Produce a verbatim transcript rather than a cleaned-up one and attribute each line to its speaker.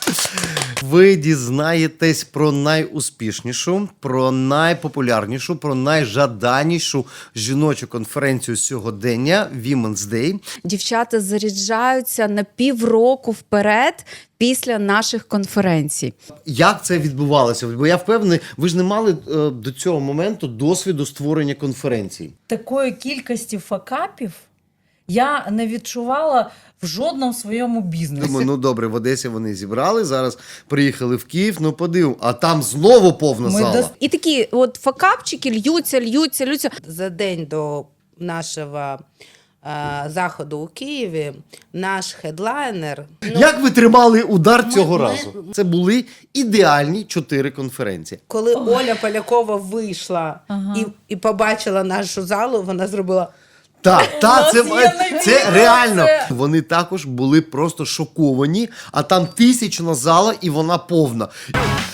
Speaker 1: Ви дізнаєтесь про найуспішнішу, про найпопулярнішу, про найжаданішу жіночу конференцію сьогодення Women's Day.
Speaker 2: Дівчата заряджаються на півроку вперед після наших конференцій.
Speaker 1: Як це відбувалося? Бо я впевнений, ви ж не мали е, до цього моменту досвіду створення конференцій.
Speaker 3: Такої кількості факапів я не відчувала в жодному своєму бізнесі.
Speaker 1: Думаю, ну добре, в Одесі вони зібрали, зараз приїхали в Київ, ну подив, а там знову повна
Speaker 3: Ми
Speaker 1: зала.
Speaker 3: дос-
Speaker 2: І такі от факапчики льються, льються, льються.
Speaker 4: За день до нашого е, заходу у Києві наш хедлайнер. Ну,
Speaker 1: Як ви тримали удар цього
Speaker 4: ми-
Speaker 1: разу? Це були ідеальні чотири конференції.
Speaker 4: коли Оля Полякова вийшла
Speaker 3: Ага.
Speaker 4: і, і побачила нашу залу, вона зробила.
Speaker 1: Так, так, це,
Speaker 3: нас є
Speaker 1: це,
Speaker 3: відео,
Speaker 1: реально.
Speaker 3: це-
Speaker 1: Вони також були просто шоковані, а там тисячна зала і вона повна.